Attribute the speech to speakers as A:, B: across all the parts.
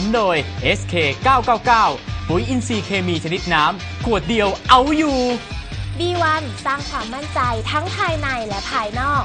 A: โดย SK 999ปุ๋ยอินทรีย์เคมีชนิดน้ำขวดเดียวเอาอยู่
B: B1 สร้างความมั่นใจทั้งภายในและภายนอก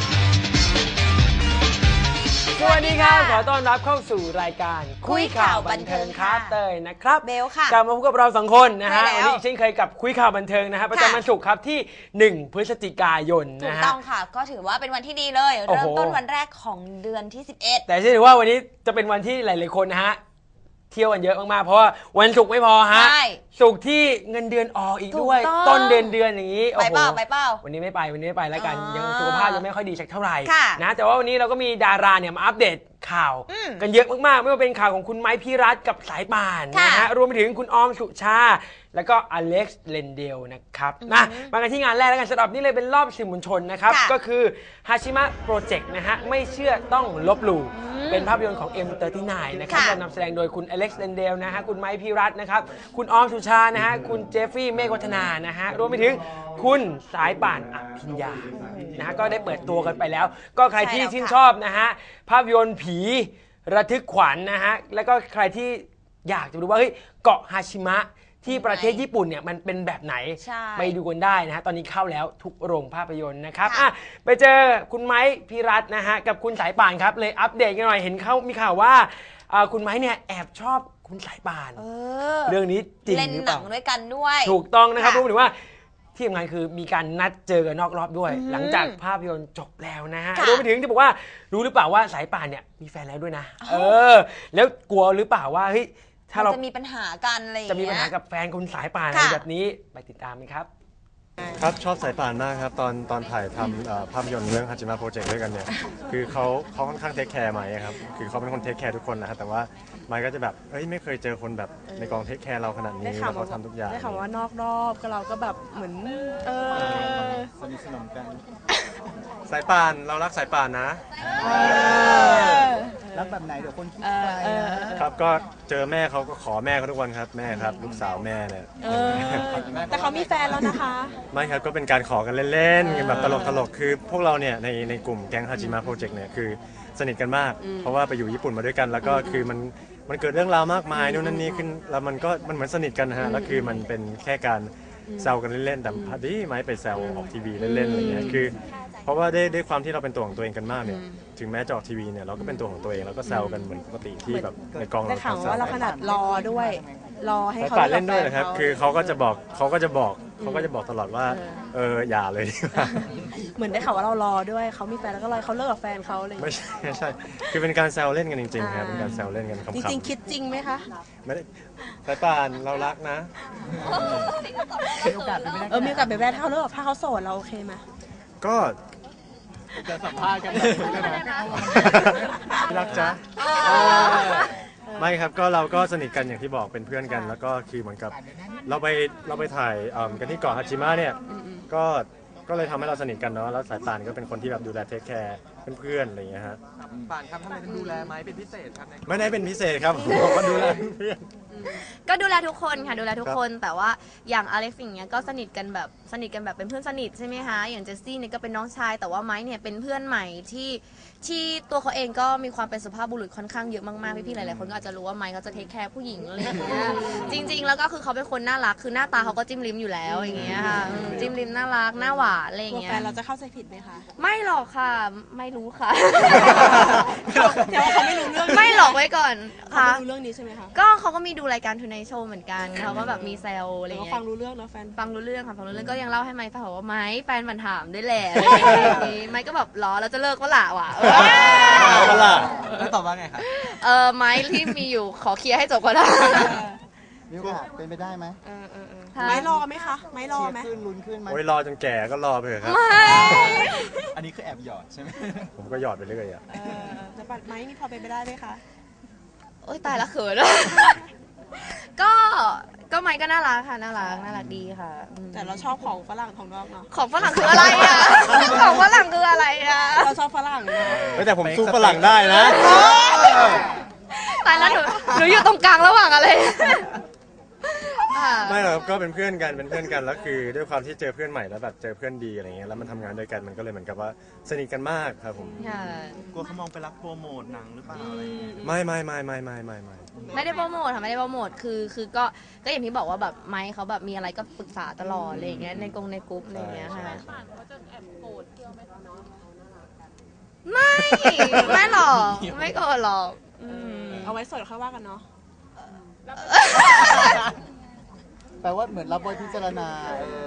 C: สวัสดีครับขอต้อนรับเข้าสู่รายการคุยข่าวบันเทิงครับเตยนะครับ
D: เบลค่ะ
C: กลับมาพบกับเรา2คนนะฮะ
D: วัน
C: นี้เช่นเคยกับคุยข่าวบันเทิงนะฮะประจำวันศุกร์ครับที่1พฤศจิกายน
D: ถูก
C: นะฮะ
D: ต้องค่ะก็ถือว่าเป็นวันที่ดีเลยเริ่มต้นวันแรกของเดือนที่11
C: แต่เชื่อถือว่าวันนี้จะเป็นวันที่หลายๆคนนะฮะเที่ยวกันเยอะมากๆเพราะว่าวันศุกร์ไม่พอฮะศุกร์ที่เงินเดือนออกอีกด้วยต้นเดือนอย่างนี้
D: ไปเปล่า
C: วันนี้ไม่ไปแล้วกันยังสุขภาพยังไม่ค่อยดีสักเท่าไหร่
D: นะ
C: แต่ว่าวันนี้เราก็มีดาราเนี่ยมาอัปเดตข่าวกันเยอะมากๆไม่ว่าเป็นข่าวของคุณไม้พี่รัฐกับสายป่านนะฮะรวมไปถึงคุณออมสุชาแล้วก็อเล็กซ์เลนเดลนะครับมากันที่งานแรกแล้วกันสำหรับนี่เลยเป็นรอบสื่อมวลชนนะครับก็คือฮาชิมะโปรเจกต์นะฮะไม่เชื่อต้องลบหลู่เป็นภาพยนตร์ของ M39 นะครับนำแสดงโดยคุณอเล็กซ์เลนเดลนะฮะคุณไม้พี่รัฐนะครับคุณออมสุชานะฮะคุณเจฟฟี่เมฆวัฒนานะฮะรวมไปถึงคุณสายป่านอภิญญานะฮะก็ได้เปิดตัวกันไปแล้วก็ใครที่ชื่นชอบนะฮะภาพยนตร์ผีระทึกขวัญนะฮะแล้วก็ใครที่อยากจะรู้ว่าเฮ้ยเกาะฮาชิมะที่ประเทศญี่ปุ่นเนี่ยมันเป็นแบบไหนไปดูกันได้นะฮะตอนนี้เข้าแล้วทุกโรงภาพยนตร์นะครับไปเจอคุณไม้พี่รัฐนะฮะกับคุณสายป่านครับเลยอัปเดตกันหน่อยเห็นเขามีข่าวว่าคุณไม้เนี่ยแอบชอบคุณสายป่านเรื่องนี้จริงหรือเปล่า
D: เล่นหนังด้วยกันด้วย
C: ถูกต้องนะครับรู้หรือว่าที่ทำงานคือมีการนัดเจอกันนอกรอบด้วยหลังจากภาพยนตร์จบแล้วนะฮะรวมไปถึงที่บอกว่ารู้หรือเปล่าว่าสายป่านเนี่ยมีแฟนแล้วด้วยนะแล้วกลัวหรือเปล่าว่าเฮ้ยถ้าเรา
D: จะมีปัญหากันอะไรอย่างเงี้ย
C: จะมีปัญหากับแฟนคุณสายป่านอะไรแบบนี้ไปติดตามกันครับ
E: ครับชอบสายป่านมากครับตอนถ่ายทำภาพยนตร์เรื่องฮาจิมะโปรเจกต์ด้วยกันเนี่ยคือเขาค่อนข้างเทคแคร์ไมค์ครับคือเขาเป็นคนเทคแคร์ทุกคนนะครับแต่ว่าไมค์ก็จะแบบไม่เคยเจอคนแบบในกองเทคแคร์เราขนาดนี้แล้วเขาทำทุกอย่าง
F: ได้ข่าวว่านอกรอบก็เราก็แบบเหมือน
E: สนิทสนมกันสายป่านเรารักสายป่านนะ
G: รักแบบไหนเดี๋ยวคนคิดไป
E: ครับก็เจอแม่เขาก็ขอแม่เขาทุกวันครับแม่ครับลูกสาวแม่เนี่ย
F: แต่เขามีแฟนแล้วนะคะ
E: ไม่ครับก็เป็นการขอกันเล่นๆแบบตลกคือพวกเราเนี่ยในกลุ่มแก๊งฮาจิมะโปรเจกต์เนี่ยคือสนิทกันมากเพราะว่าไปอยู่ญี่ปุ่นมาด้วยกันแล้วก็คือมันเกิดเรื่องราวมากมายนู่นนั่นนี่ขึ้นแล้วมันเหมือนสนิทกันนะฮะแล้วคือมันเป็นแค่การแซวกันเล่นๆแต่พอดีไม้ไปแซวออกทีวีเล่นๆอะไรเงี้ยคือเพราะว่าได้ความที่เราเป็นตัวของตัวเองกันมากเนี่ยถึงแม้จะออกทีวีเนี่ยเราก็เป็นตัวของตัวเองแล้วก็แซวกันเหมือนปกติที่แบบในกองเรา
F: ได้ข่าวว่าเราขนาดรอด้วยรอให้เขา
E: เล่นด้วยนะครับคือเขาก็จะบอกตลอดว่าอย่าเลยดีกว่า
F: เหมือนได้ข่าวว่าเรารอด้วยเขามีแฟนแล้วก็เลยเขาเลิกกับแฟนเขาเลย
E: ไม่ใช่คือเป็นการแซวเล่นกันจริงๆครับเป็นการแซวเล่นกันขำๆ
F: จริงๆคิดจริงไหมคะ
E: ไม่ได้สายป่านเรารักนะ
G: มีโอกาสเป็นไปได้
F: มีโอกาสเป็นไปได้ถ้าเขาเลิกถ้าเขาโสดเราโอเคไหม
E: ก็
G: จะสัมภาษณ์กัน
E: รักจ๊ะไม่ครับก็เราก็สนิทกันอย่างที่บอกเป็นเพื่อนกันแล้วก็คือเหมือนกับเราไปถ่ายกันที่เกาะฮาจิมะเนี่ยก็เลยทำให้เราสนิทกันเนาะแล้วสายป่านก็เป็นคนที่แบบดูแลเทคแคร์เพื่อนๆอะไรอย่างเงี้ยฮะ
G: ป่านครับทำไมถึงดูแลไม้เป็นพิเศษครับ
E: ไม่ได้เป็นพิเศษครับผมก็ดูแลเพื่อน
H: ก็ดูแลทุกคนค่ะดูแลทุกคนแต่ว่าอย่างอเล็กซ์อย่างเงี้ยก็สนิทกันแบบเป็นเพื่อนสนิทใช่ไหมคะอย่างเจสซี่เนี่ยก็เป็นน้องชายแต่ว่าไม้เนี่ยเป็นเพื่อนใหม่ที่ตัวเขาเองก็มีความเป็นสุภาพบุรุษค่อนข้างเยอะมากๆพี่ๆหลายๆคนก็อาจจะรู้ว่าไม้เขาจะเทคแคร์ผู้หญิงอะไรอย่างเงี้ยจริงๆแล้วก็คือเขาเป็นคนน่ารักคือหน้าตาเขาก็จิ้มลิ้มอยู่แล้วอย่างเงี้ยค่ะจิ้มลิ้มน่ารักหน้าหวานอะไรอย่างเงี้ย
F: แฟนเราจะเข้าใจผิดไหมคะ
H: ไม่หรอกค่ะไม่รู้ค่ะ
F: เดี๋ยวเขาไม่รู้เรื่อง
H: ไม่หลอกไว้ก่อน
F: ค่ะไม่รู้เรื่องนี้ใช่ไหมคะ
H: ก็เขาก็มีดูรายการทูไนท์โชว์เหมือนกันเขาก็แบบมีแซวอะไรเงี้ย
F: ฟังรู้เรื่องนะแฟน
H: ฟังรู้เรื่องค่ะฟังรู้เรื่องก็ยังเล่าให้ไมค์ฟังว่าไมค์แฟนมันถามด้วยแหละไมค์ก็แบบล้อแล้วจะเลิกก็ละว่ะ
G: แล้วตอบว่าไงครับ
H: ไมค์ที่มีอยู่ขอเคลียร์ให้จบก็ได้
G: มีโอกาสเป็นไปได้ไหม
F: ไม้รอไหมคะไม้รอไหม
G: ขึ้นลุ้นขึ้นไหม
E: โอ้ยรอจนแก่ก็รอไปเถอะครับ
G: อันนี้คือแอบหยอดใช่ไหม
E: ผมก็หยอดไปเรื่อย
F: จะปัดไม้มีพอเป็นไปได้ไหมคะ
H: โอ๊ยตายละเขินก็ไมค์ก็น่ารักค่ะน่ารักดีค่ะ
F: แต่เราชอบของฝรั่งของนอกเนาะ
H: ของฝรั่งคืออะไรอ่ะของฝรั่งคืออะไรอ่ะ
F: เราชอบฝรั่งนะ
E: แต่ผมสู้ฝรั่งได้นะ
H: ตายแล้วหนูอยู่ตรงกลางระหว่างอะไร
E: ไม่หรอกครับก็เป็นเพื่อนกันแล้วคือด้วยความที่เจอเพื่อนใหม่แล้วแบบเจอเพื่อนดีอะไรเงี้ยแล้วมันทำงานด้วยกันมันก็เลยเหมือนกับว่าสนิทกันมากครับผม
G: กลัวเขามองไปรักโปรโมทหนังหรือเปล่าอะไรอย่างเงี้ย
E: ไม่
H: ไม่ได้โปรโมทค่ะไม่ได้โปรโมทคือก็อย่างที่บอกว่าแบบไมค์เขาแบบมีอะไรก็ปรึกษาตลอดอะไรอย่างเงี้ยในกรุ๊ปอะไรอย่างเงี้ยค่ะไม่หรอกไม่โกรธหรอก
F: เอาไว้สดค่อยว่ากันเนาะ
G: แปลว่าเหมือนรับบทพิจารณา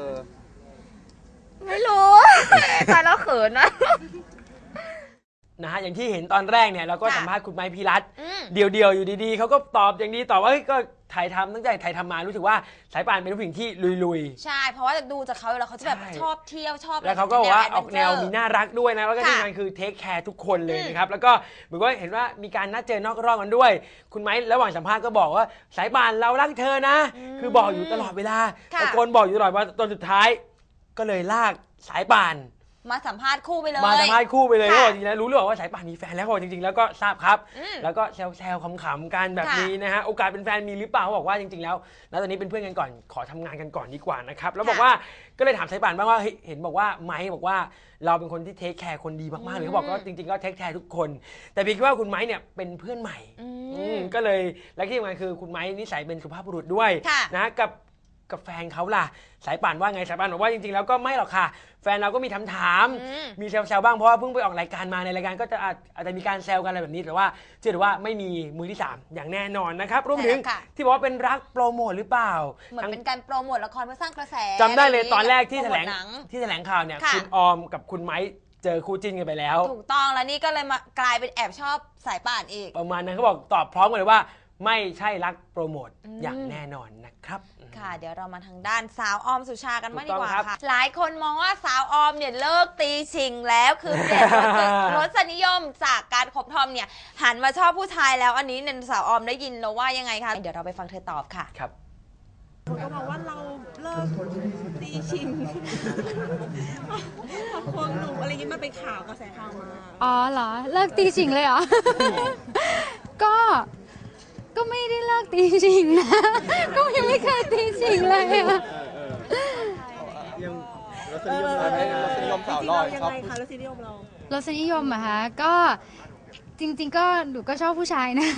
H: ไม่รู้ตายแล้วเขินนะ
C: นะฮะอย่างที่เห็นตอนแรกเนี่ยเราก็สัมภาษณ์คุณไม้พีรัตน์เดียวๆอยู่ดีๆเขาก็ตอบอย่างดีตอบว่าเฮ้ยก็ถ่ายทำตั้งแต่ถ่ายทำมารู้สึกว่าสายป่านเป็นผู้หญิงที่ลุย
D: ใช่เพราะว่าดูจากเขาแล้วเขาจะแบบชอบเที่ยวชอบ
C: แล้วเขาก็บอกว่าออกแนวมีน่ารักด้วยนะแล้วก็ที่งานคือเทคแคร์ทุกคนเลยนะครับแล้วก็เหมือนว่าเห็นว่ามีการนัดเจอนอกรอบกันด้วยคุณไม้ระหว่างสัมภาษณ์ก็บอกว่าสายป่านเรารักเธอนะคือบอกอยู่ตลอดเวลาตะโกนบอกอยู่ตลอดว่าตอนสุดท้ายก็เลยลากสายป่าน
D: มาสัมภาษณ์คู่ไปเลย
C: ก็จริงๆแล้วรู้หรือเปล่าว่าสายป่านมีแฟนแล้วจริงๆแล้วก็ทราบครับแล้วก็แซวๆขำๆกันแบบนี้นะฮะโอกาสเป็นแฟนมีหรือเปล่าเขาบอกว่าจริงๆแล้วณตอนนี้เป็นเพื่อนกันก่อนขอทำงานกันก่อนดีกว่านะครับแล้วบอกว่าก็เลยถามสายป่านบ้างว่าเห็นบอกว่าไมค์บอกว่าเราเป็นคนที่เทคแคร์คนดีมากๆเลยเขาบอกว่าจริงๆก็เทคแคร์ทุกคนแต่พี่คิดว่าคุณไมค์เนี่ยเป็นเพื่อนใหม่ก็เลยและที่สำคัญคือคุณไมค์นิสัยเป็นสุภาพบุรุษด้วยนะกับแฟนเขาล่ะสายป่านว่าไงสายป่านบอกว่าจริงๆแล้วก็ไม่หรอกค่ะแฟนเราก็มีถามมีแซวๆบ้างเพราะว่าเพิ่งไปออกรายการมาในรายการก็จะอาจจะมีการแซวกันอะไรแบบนี้แต่ว่าเชื่อว่าไม่มีมือที่3อย่างแน่นอนนะครับรวมถึงที่บอกว่าเป็นรักโปรโมทหรือเปล่า
D: เหมือนเป็นการโปรโมทละครเพื่อสร้างกระแส
C: จำได้เลยตอนแรกที่แถลงข่าวเนี่ยคุณออมกับคุณไม้เจอคู่จิ้นกันไปแล้ว
D: ถูกต้องแล้วนี่ก็เลยมากลายเป็นแอบชอบสายป่านอีก
C: ประมาณนั้นเขาบอกตอบพร้อมกันเลยว่าไม่ใช่รักโปรโมทอย่างแน่นอนนะครับ
D: ค่ะเดี๋ยวเรามาทางด้านสาวออมสุชากันบ้างดีกว่าค่ะหลายคนมองว่าสาวออมเนี่ยเลิกตีชิงแล้วคือเปลี่ยนรสนิยมจากการคบทอมเนี่ยหันมาชอบผู้ชายแล้วอันนี้เนี่ยสาวออมได้ยินแล้วว่ายังไงคะเดี๋ยวเราไปฟังเธอตอบค่ะ
C: ครับ
F: คนก็บอกว่าเราเลิกตีชิงพอควงหนุ่มอะไรอย่างนี้มันเป็นข่าวกระแสข่าวมา
B: อ๋อเหรอเลิกตีชิงเลยเหรอ ก็ไม่ได้เลิกตีชิงนะก็ยังไม่เคยตีชิงเลยอะ
G: ยังรสนิยมสาวลอย
F: ยังไงคะรสนิยมเรา
B: รสนิยมอะคะก็จริงๆก็หนูก็ชอบผู้ชายนะ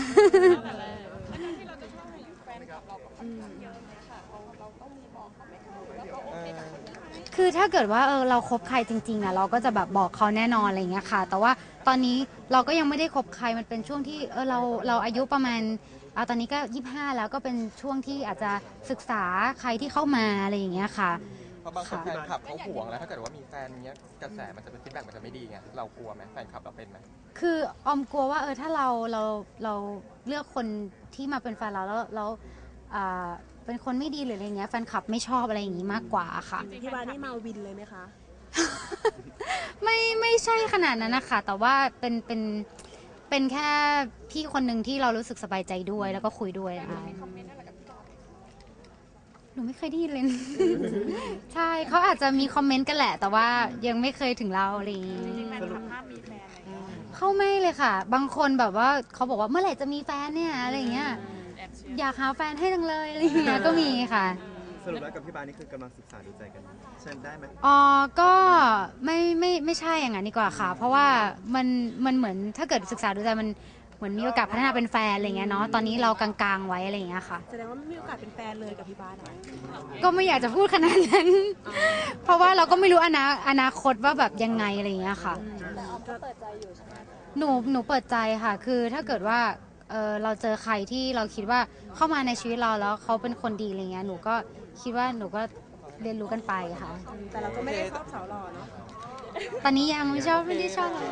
B: คือถ้าเกิดว่าเราคบใครจริงๆอะเราก็จะแบบบอกเขาแน่นอนอะไรอย่างเงี้ยค่ะแต่ว่าตอนนี้เราก็ยังไม่ได้คบใครมันเป็นช่วงที่เราอายุประมาณตอนนี้ก็25แล้วก็เป็นช่วงที่อาจจะศึกษาใครที่เข้ามาอะไรอย่างเงี้ยค่ะ
G: เพราะบางคนแฟนคลับเขาห่วงแล้วถ้าเกิดว่ามีแฟนเงี้ยกระแสมันจะเป็นฟีดแบ็กมันจะไม่ดีไงเรากลัวไหมแฟนคลับเราเป็นไหม
B: คือออมกลัวว่าถ้าเราเลือกคนที่มาเป็นแฟนเราแล้วเป็นคนไม่ดีหรืออะไรเงี้ยแฟนคลับไม่ชอบอะไรอย่างงี้มากกว่าค่ะ
F: พี่วานี่มาวินเลยไหมคะ
B: ไม่ใช่ขนาดนั้นนะคะแต่ว่าเป็นแค่พี่คนหนึ่งที่เรารู้สึกสบายใจด้วยแล้วก็คุยด้วยหนูไม่เคยได้ยินเลย ใช่เขาอาจจะมีคอมเมนต์กันแหละแต่ว่ายังไม่เคยถึงเราอะไรอย่างงี้เขาไม่เลยค่ะบางคนแบบว่าเขาบอกว่าเมื่อไหร่จะมีแฟนเนี่ยอะไรอย่างเงี้ยอยากหาแฟนให้จังเลยอะไรอย่างเงี้ยก็มีค่ะ
G: สรุปแล้วกับพี่บานี่คือกำลังศึกษาดูใจกันใช่ได้ไหม
B: ก็ไม่ใช่อย่างนั้นดีกว่าค่ะเพราะว่ามันเหมือนถ้าเกิดศึกษาดูใจมันเหมือนมีโอกาสพัฒนาเป็นแฟนอะไรเงี้ยเนาะตอนนี้เรากลางๆไว้อะไรอย่างเงี้ยค่ะ
F: แสดงว่าไม่มีโอกาสเป็นแฟนเลยกับพี่บาส
B: ก็ไม่อยากจะพูดขนาดนั้นเพราะว่าเราก็ไม่รู้อนาคตว่าแบบยังไงอะไรอย่างเงี้ยค่ะ
F: เปิดใจอยู่ใช่ไหม
B: หนูเปิดใจค่ะคือถ้าเกิดว่าเราเจอใครที่เราคิดว่าเข้ามาในชีวิตเราแล้วเขาเป็นคนดีอะไรเงี้ยหนูก็คิดว่าหนูก็เรียนรู้กันไปค่ะ
F: แต่เราก็ไม่ได้ชอบสาวหล่อเนาะ
B: ตอนนี้ยังไม่ได้ชอบเลย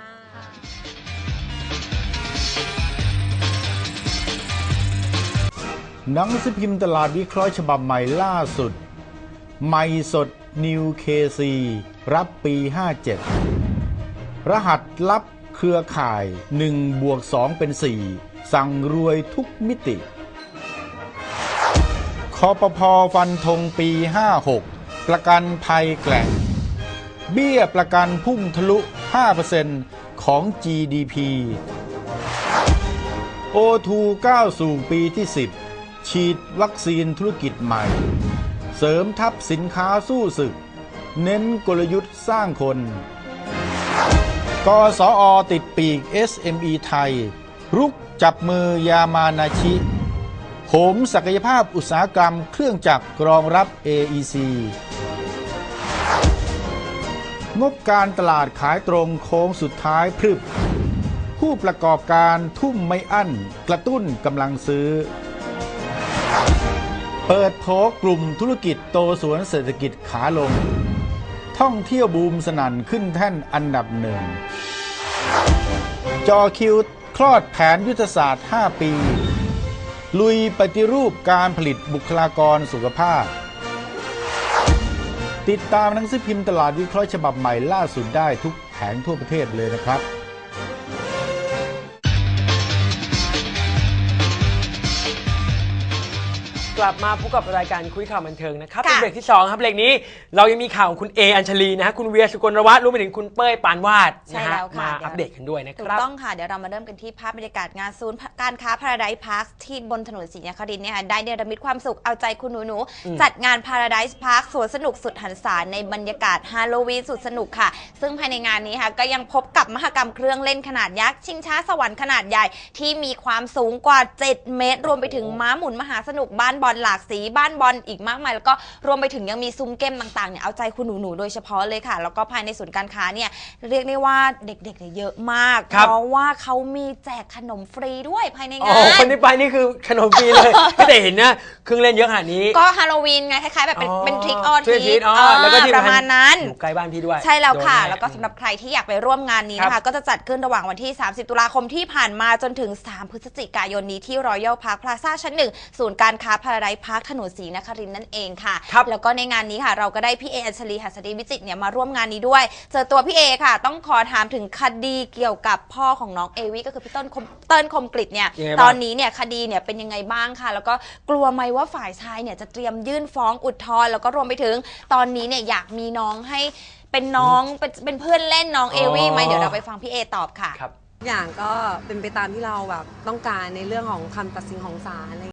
I: หนังสือพิมพ์ตลาดวิเคราะห์ฉบับใหม่ล่าสุดใหม่สด New KC รับปี 57 รหัสลับเครือข่าย 1+2 เป็น 4 สั่งรวยทุกมิติคปภ.ฟันธงปี 56 ประกันภัยแกร่งเบี้ยประกันพุ่งทะลุ 5% ของ GDP O2 ก้าวสู่ปีที่ 10 ฉีดวัคซีนธุรกิจใหม่ เสริมทัพสินค้าสู้ศึก เน้นกลยุทธ์สร้างคน กสอติดปีก SME ไทย รุกจับมือยามานาชิโหมศักยภาพอุตสาหกรรมเครื่องจักรรองรับ AEC งบการตลาดขายตรงโค้งสุดท้ายพรึบผู้ประกอบการทุ่มไม่อั้นกระตุ้นกำลังซื้อ เปิดโผกลุ่มธุรกิจโตสวนเศรษฐกิจขาลงท่องเที่ยวบูมสนั่นขึ้นแท่นอันดับหนึ่งจอคิวคลอดแผนยุทธศาสตร์ 5 ปี ลุยปฏิรูปการผลิตบุคลากรสุขภาพ ติดตามหนังสือพิมพ์ตลาดวิเคราะห์ฉบับใหม่ล่าสุดได้ทุกแผงทั่วประเทศเลยนะครับ
C: กลับมาพบกับรายการคุยข่าวบันเทิงนะครับเป็นเบรกที่2ครับเบรกนี้เรายังมีข่าวของคุณเออัญชลีนะฮะคุณเวียสุกลวัฒน์รวมไปถึงคุณเป้ยปานวาดนะฮะมาอัปเดตกันด้วยนะค
D: ถู
C: รั
D: ก
C: บ
D: ต้องค่ะเดี๋ยวเรามาเริ่มกันที่ภาพบรรยากาศงานศูนย์การค้า Paradise Park ที่บนถนนศรีนครินทร์เนี่ยได้เนรมิตความสุขเอาใจคุณหนูๆจัดงาน Paradise Park สวนสนุกสุดหันษาในบรรยากาศฮาโลวีนสุดสนุกค่ะซึ่งภายในงานนี้ค่ะก็ยังพบกับมหกรรมเครื่องเล่นขนาดยักษ์ชิงช้าสวรรค์ขนาดใหญ่ที่มีความสูงกว่า7 เมตรรวมไปถึงม้าหมุนมหาสนุกบ้านบอลหลากสีบ้านบอลอีกมากมายแล้วก็รวมไปถึงยังมีซุ้มเกมต่างๆเนี่ยเอาใจคุณหนูๆโดยเฉพาะเลยค่ะแล้วก็ภายในศูนย์การค้าเนี่ยเรียกได้ว่าเด็กๆเนี่ยเยอะมากเพราะว่าเขามีแจกขนมฟรีด้วยภายในงาน
C: คนที่ไปนี่คือขนมฟรีเลย ไม่ได้เห็นนะเครื่องเล่นเยอะขนาดนี้
D: ก็ฮาโลวีนไงคล้ายๆแบบเป็นทริกออที
C: แล้วก็ที่
D: ประมาณนั้น
C: อยู่ใกล้บ้านพี่ด้วย
D: ใช่แล้วค่ะแล้วก็สำหรับใครที่อยากไปร่วมงานนี้นะคะก็จะจัดขึ้นระหว่างวันที่30ตุลาคมที่ผ่านมาจนถึง3พฤศจิกายนนี้ที่ Royal Park Plaza ชั้น 1ศูนย์การค้า Paradise Park ถนนศรีนครินทร์นั่นเองค่ะแล้วก็ในงานนี้ค่ะเราก็ได้พี่เออัญชลีหัสดีวิจิตรเนี่ยมาร่วมงานนี้ด้วยเจอตัวพี่เอค่ะต้องขอถามถึงคดีเกี่ยวกับพ่อของน้องเอวี่ก็คือพี่เติ้ลคมกฤษเนี่ยตอนนี้เนี่ยคดีเนี่ยเป็นยังไงบ้างค่ะแล้วก็กลัวไหมว่าฝ่ายชายเนี่ยจะเตรียมยื่นฟ้องอุทธรณ์แล้วก็รวมไปถึงตอนนี้เนี่ยอยากมีน้องให้เป็นน้องเป็นเพื่อนเล่นน้องเอวี่ไหมเดี๋ยวเราไปฟังพี่เอตอบค่ะ
J: อย่างก็เป็นไปตามที่เราแบบต้องการในเรื่องของคำตัดสินของศาลอะไร